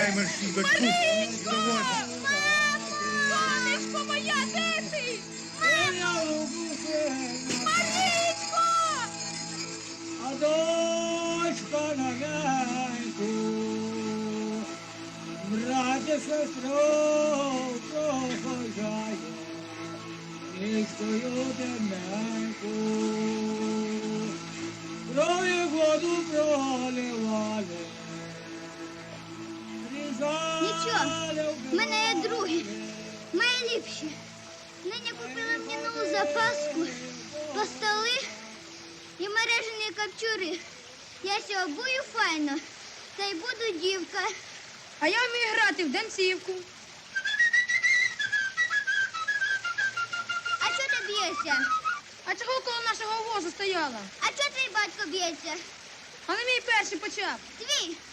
Давай, мерщій, дочку. Давай. Сонечко моя, де ти? Марічко! А дочка на венку, братя, сестру проводжає, низькою темненьку, кров'ю воду проливали. Нічого, в мене є другі, мої ліпші. Нині купила мені нову запаску, столи і мережені капчури. Я ся обую файно, та й буду дівка. А я вмію грати в танцівку. А чого ти б'єшся? А чого коло нашого возу стояла? А чого твій батько б'ється? А не мій перший почав. Твій?